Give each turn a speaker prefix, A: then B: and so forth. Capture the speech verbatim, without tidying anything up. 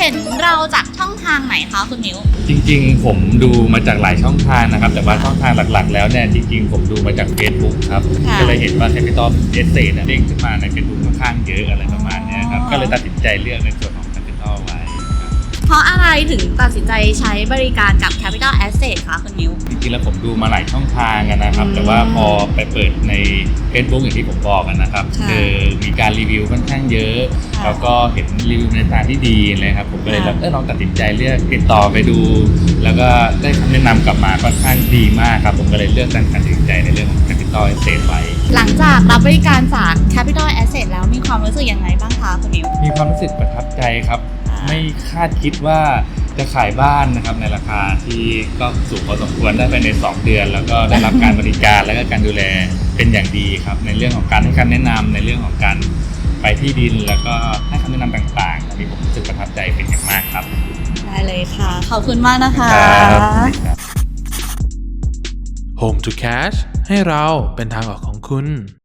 A: ห็นเราจากช่องทางไหนคะคุณมิว
B: จริงๆผมดูมาจากหลายช่องทางนะครับแต่ว่าช่องทางหลักๆแล้วเนี่ยจริงๆผมดูมาจาก Facebook ครับก็เลยเห็นว่า Capital Estate เนี่ยเด้งขึ้นมาใน Facebook ค่อนข้างเยอะอะไรประมาณนี้ครับก็เลยตัดสินใจเลือกในส่วนของ Capital ไว้
A: เพราะอะไรถึงตัดสินใจใช้บริการกับ Capital Asset คะคุณมิว
B: จริงๆแล้วผมดูมาหลายช่องทางนะครับแต่ว่าพอไปเปิดใน Facebook อย่างที่ผมบอกนะครับคือมีการรีวิวค่อนข้างเยอะแล้วก็เห็นรีวิวในทางที่ดีเลยครับผมก็เลยเออลองตัดสินใจเลือกติดต่อไปดูแล้วก็ได้คำแนะนำกลับมาค่อนข้างดีมากครับผมก็เลยเลือกการตัดสินใจในเรื่องของ Capital Asset ไว้
A: หลังจากรับบริการจาก Capital Asset แล้วมีความรู้สึกยังไงบ้างคะคุณมิว
B: มีความรู้สึกประทับใจครับไม่คาดคิดว่าจะขายบ้านนะครับในราคาที่ก็สูงพอสมควรได้ภายในสองเดือนแล้วก็ได้รับการบริการและก็การดูแลเป็นอย่างดีครับในเรื่องของการให้คำแนะนำในเรื่องของการไปที่ดินแล้วก็ให้คำแนะนำต่างๆอันนี้ผมรู้สึกประทับใจเป็นอย่างมากครับ
A: ได้เลยค่ะขอบคุณมากนะคะ
C: Home to Cash ให้เราเป็นทางออกของคุณ